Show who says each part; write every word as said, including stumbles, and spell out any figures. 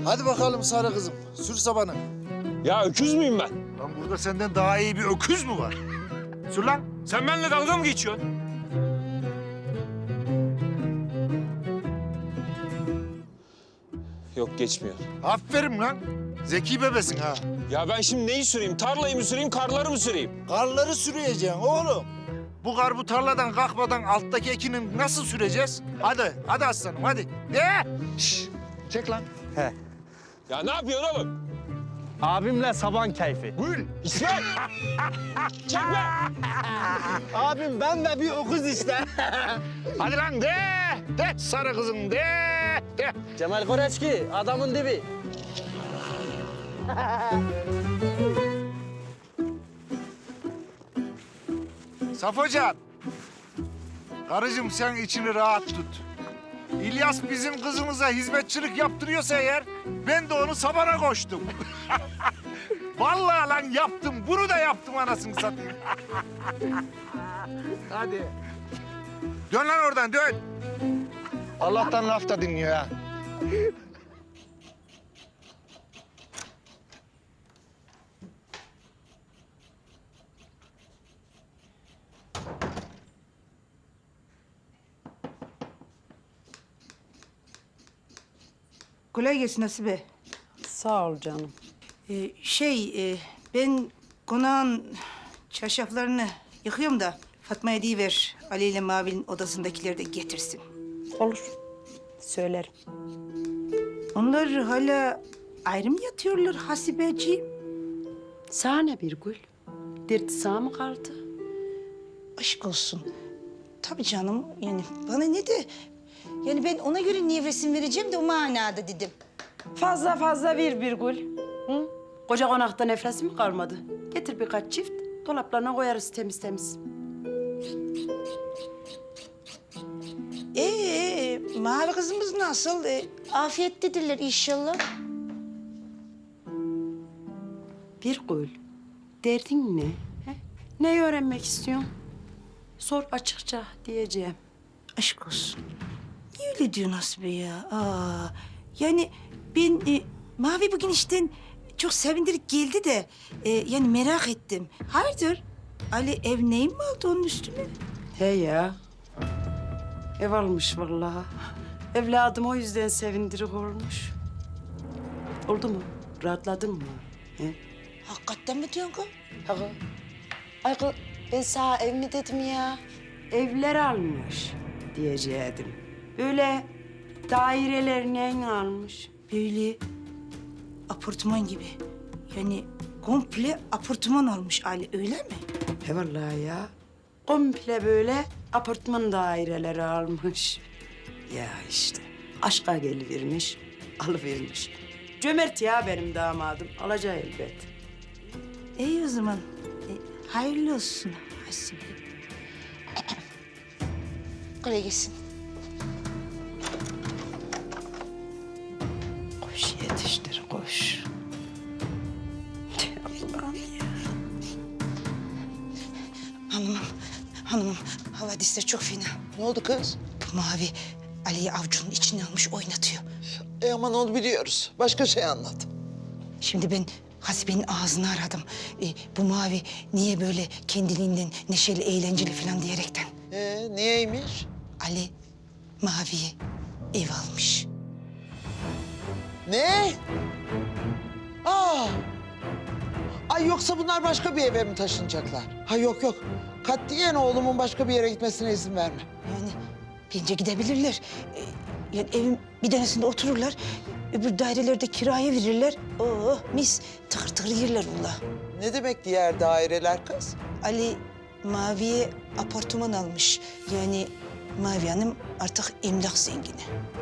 Speaker 1: Hadi bakalım sarı kızım, sür sabanı.
Speaker 2: Ya öküz müyüm ben?
Speaker 1: Lan burada senden daha iyi bir öküz mü var? Sür lan.
Speaker 2: Sen benimle dalga mı geçiyorsun? Yok geçmiyor.
Speaker 1: Aferin lan. Zeki bebesin ha.
Speaker 2: Ya ben şimdi neyi süreyim? Tarlayı mı süreyim, karları mı süreyim?
Speaker 1: Karları sürüyeceksin oğlum. Bu kar bu tarladan kalkmadan alttaki ekini nasıl süreceğiz? Hadi, hadi aslanım hadi. De! Şş, çek lan.
Speaker 3: He.
Speaker 2: Ya ne yapıyorsun oğlum?
Speaker 3: Abimle saban keyfi.
Speaker 2: Gül, İsmail! Çekme!
Speaker 3: Abim ben de bir okuz işte.
Speaker 1: Hadi lan de! De sarı kızım de! De!
Speaker 3: Cemal Koreçki adamın dibi.
Speaker 1: Safocan. Karıcığım sen içini rahat tut. İlyas bizim kızımıza hizmetçilik yaptırıyorsa eğer ben de onu sabana koştum. Vallahi lan yaptım. Bunu da yaptım anasını satayım. Hadi. Dön lan oradan dön. Allah'tan laf da dinliyor ha.
Speaker 4: Kolay gelsin Hasibe.
Speaker 5: Sağ ol canım.
Speaker 4: Ee, şey, e, ben konağın çarşaflarını yıkıyorum da Fatma'ya deyiver. Ali ile Mavi'nin odasındakileri de getirsin.
Speaker 5: Olur. Söylerim.
Speaker 4: Onlar hala ayrı mı yatıyorlar Hasibeciğim?
Speaker 5: Sana bir gül. Derdi sağ mı kaldı?
Speaker 4: Aşk olsun. Tabii canım, yani bana ne de... Yani ben ona göre niye resim vereceğim de o manada dedim.
Speaker 5: Fazla fazla ver bir gül. Hı? Koca konakta nefresi mi kalmadı? Getir birkaç çift. Dolaplarına koyarız temiz temiz.
Speaker 4: Ee, Mavi kızımız nasıl? Ee, afiyettedirler inşallah.
Speaker 5: Bir gül. Derdin ne? He? Neyi öğrenmek istiyorsun? Sor açıkça diyeceğim.
Speaker 4: Aşk olsun. Niye öyle diyorsun Hasibe ya? Aa, yani ben e, Mavi bugün işten çok sevindirip geldi de e, yani merak ettim. Hayırdır? Ali ev neyim mi aldı onun üstüne?
Speaker 5: He ya. Ev almış vallahi. Evladım o yüzden sevindirik olmuş. Oldu mu? Rahatladın mı? He?
Speaker 4: Hakikaten mi diyorsun kız?
Speaker 5: Ağa. Ay kız, ben sana ev mi dedim ya? Evler almış diyecektim. Böyle dairelerini almış.
Speaker 4: Böyle apartman gibi. Yani komple apartman almış Ali öyle mi?
Speaker 5: He vallahi ya. Komple böyle apartman daireleri almış. Ya işte aşka gelivermiş, alıvermiş. Cömert ya benim damadım. Alacağı elbet.
Speaker 4: İyi o zaman. E, hayırlı olsun Hasibe. Kolay gelsin.
Speaker 5: Koş yetiştir, koş. Allah'ım ya.
Speaker 4: Hanımım, hanımım havadisler çok fena.
Speaker 6: Ne oldu kız?
Speaker 4: Bu Mavi Ali'yi avcunun içine almış oynatıyor.
Speaker 6: E aman onu biliyoruz. Başka şey anlat.
Speaker 4: Şimdi ben Hasibe'nin ağzını aradım. E, bu Mavi niye böyle kendiliğinden neşeli, eğlenceli falan diyerekten.
Speaker 6: E niyeymiş?
Speaker 4: Ali Mavi'ye ev almış.
Speaker 6: Ne? Aa! Ay yoksa bunlar başka bir eve mi taşınacaklar? Ha yok yok. Katiyen oğlumun başka bir yere gitmesine izin verme.
Speaker 4: Yani bence gidebilirler. E, yani evin bir tanesinde otururlar. Öbür dairelerde kiraya verirler. Oh mis tıkır tıkır yerler valla.
Speaker 6: Ne demek diğer daireler kız?
Speaker 4: Ali Mavi'ye apartman almış. Yani Mavi Hanım artık emlak zengini.